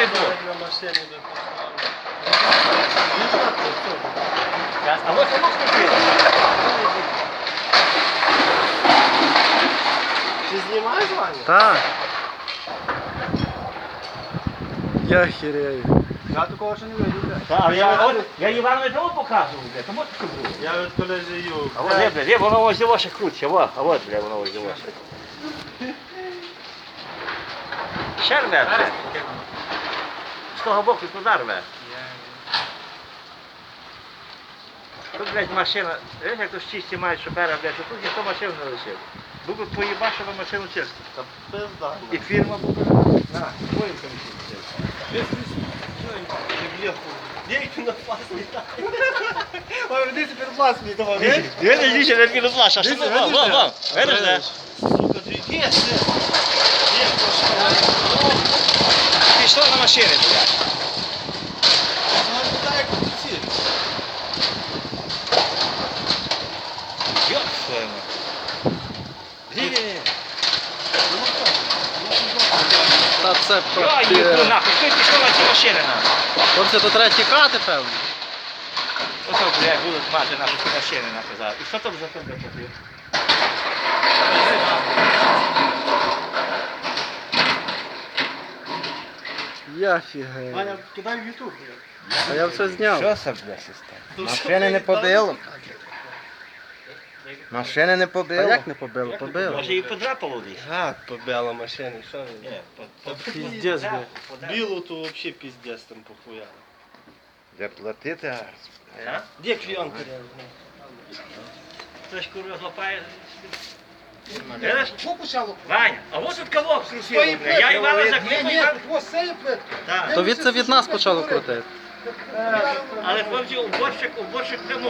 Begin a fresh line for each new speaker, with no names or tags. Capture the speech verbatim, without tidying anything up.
не було. А ось воно скрутило.
Ти знімаєш, Ваня?
Так. Я хірею.
Я такого ще не видів.
Так, я, от, я Іванові того показував, бля, тому що було.
Я от коли жию.
А от, де, бля, де, воно ось його ще крутиться, во, а от, бля, воно ось його ще. Ще рве, бля. З того боку туди рве. Тут, блядь, машина, видиш, як тут чисті мають шофера, блядь, а тут ніхто машину не лишив. Буду поїбашила машину чисто.
Та пизда.
І фірма буде. На, твоїм комісії.
Дійки на фас літає. Ой, вони тепер фас літає.
Видиш, дійсно, не піду плаша, а що
Дивись,
тут, вон,
видиш,
вон, вон,
да?
видиш, де?
Сука, дві. Є, все. Є,
Пішло на машині, блядь. Йоп, твою мать. Ні-ні-ні.
Та це
Я їду
папір.
нахуй, хто пішло на ці машини нахуй?
Хлопці, то треба тікати, певно.
Ото, блядь, будуть мати наші ці машини нахуй зараз. І що там за тебе попів?
Я фігею.
Ваня, кидай в ютуб.
А я все зняв.
Що це, бля, сестра? Машини не побило? Машини не
А
побило?
як не побило? Побило.
Може, і подрапало десь?
Гад побила машину, що ви?
Ні, по-
Піздець,
Да,
блядь.
подрапало.
Білу то взагалі піздець там похуя.
Де платити, а?
А?
Де клієнти?
Хтось курва злопає. Видиш? Ваня, а ось тут кого скрутило, бля. Я Івана закликав, Іван... Так.
То від це від нас почало крутити.
Але хлопці, уборщик, уборщик прямо